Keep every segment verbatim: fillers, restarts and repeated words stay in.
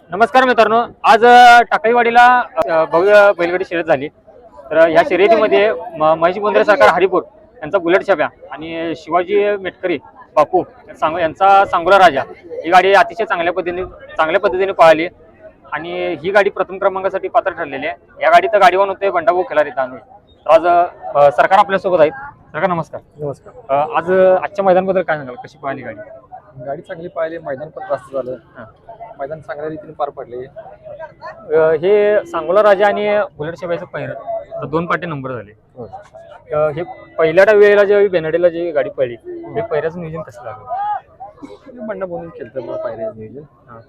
नमस्कार मित्रांनो, आज अ, टाकळीवाडीला अ, भव्य बैलगाडी शर्यत झाली. तर अ, ह्या शर्यतीमध्ये म- महेश बोंद्रे सरकार हरिपूर यांचा बुलेट छाप्या आणि शिवाजी मेटकरी बापू सांग यांचा सांगोला राजा ही गाडी अतिशय चांगल्या पद्धतीने चांगल्या पद्धतीने पळाली आणि ही गाडी प्रथम क्रमांकासाठी पात्र ठरलेली आहे. या गाडीत गाडीवान होते बंडाभाऊ खिलारी तांदूळ. तर आज अ, सरकार आपल्यासोबत आहेत. सरकार नमस्कार. नमस्कार. अ, आज अ, आजच्या मैदानाबद्दल काय सांगाल, कशी पळाली गाडी? गाडी चांगली पाहिली, मैदान पण जास्त झालं. हां. मैदान चांगल्या रीतीने पार पडले. अ, हे सांगोला राजा आणि बुलेट छाप्याचं पहिरं दोन पाटे नंबर झाले. हो. अ, हे पहिल्या वेळेला जेव्हा बेनडेला जी गाडी पडली हे पहिल्याचं नियोजन कसं झालं? बंडा बोलून केलं तर पाहिजे नियोजन. हां.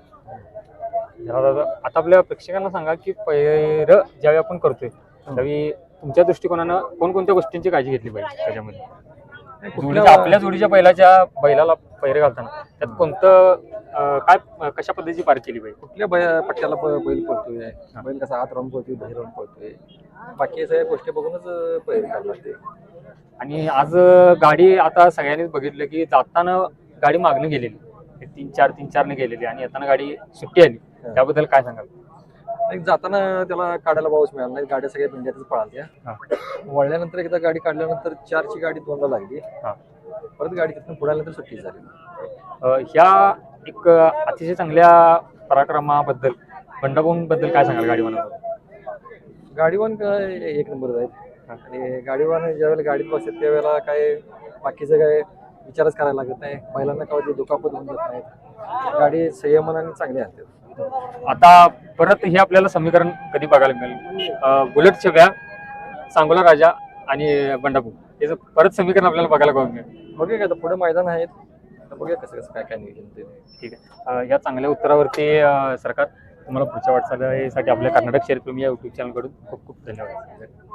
जरा दादा, आता आपल्या प्रेक्षकांना सांगा की पहिरं ज्यावेळी आपण करतोय त्यावेळी तुमच्या दृष्टिकोनानं कोणकोणत्या गोष्टींची काळजी घेतली पाहिजे त्याच्यामध्ये? जोडीच्या आपल्या जोडीच्या बैलाच्या बैलाला पहिरे घालताना त्यात कोणतं अ, काय कशा पद्धतीची पार केली पाहिजे? कुठल्या बै पट्ट्याला ब- बैल पळतोय, बैल कसा हात राहून पळतोय, बाहेर राहून पळतोय, बाकी सगळ्या गोष्टी बघूनच पैर करायला लागते. आणि आज अ, गाडी आता सगळ्यांनीच बघितलं की जाताना गाडी मागणं गेलेली, तीन चार तीन चारने गेलेली आणि येताना गाडी सुट्टी आली. त्याबद्दल काय सांगाल? एक जाताना त्याला काढायला पाऊस मिळाला नाही, गाड्या सगळ्या भिंड्यातच पळाल्या. हां. वळल्यानंतर एकदा गाडी काढल्यानंतर चारची गाडी दोनला लागली. हां. परत गाडी तिथून पुढाल्यानंतर सुट्टी झाली. अ, ह्या एक अ, अतिशय चांगल्या पराक्रमाबद्दल बंडाभाऊंबद्दल काय सांगाल गाडीवानाबद्दल? गाडीवान काय एक नंबर आहेत आणि गाडीवान ज्यावेळेला गाडीत बसतात त्यावेळेला काय बाकीचं काय विचारच करायला लागत नाही. बैलांना कधी दुखापत होऊन जात नाहीत. गाडी संयमनाने चांगली आणते. आता परत हे आपल्याला समीकरण कधी बघायला मिळेल? अ, बुलेट छब्या, सांगोला राजा आणि बंडाभाऊ याचं परत समीकरण आपल्याला बघायला बघ मिळेल. बघूया का आता पुढे मैदान आहेत, तर बघूया कसं कसं काय काय नियोजन ते. ठीक आहे. अ, या चांगल्या उत्तरावरती अ, सरकार तुम्हाला पुढच्या वाटचालीसाठी आपल्या कर्नाटक शेअर प्रेमी या युट्यूब चॅनलकडून खूप खूप धन्यवाद.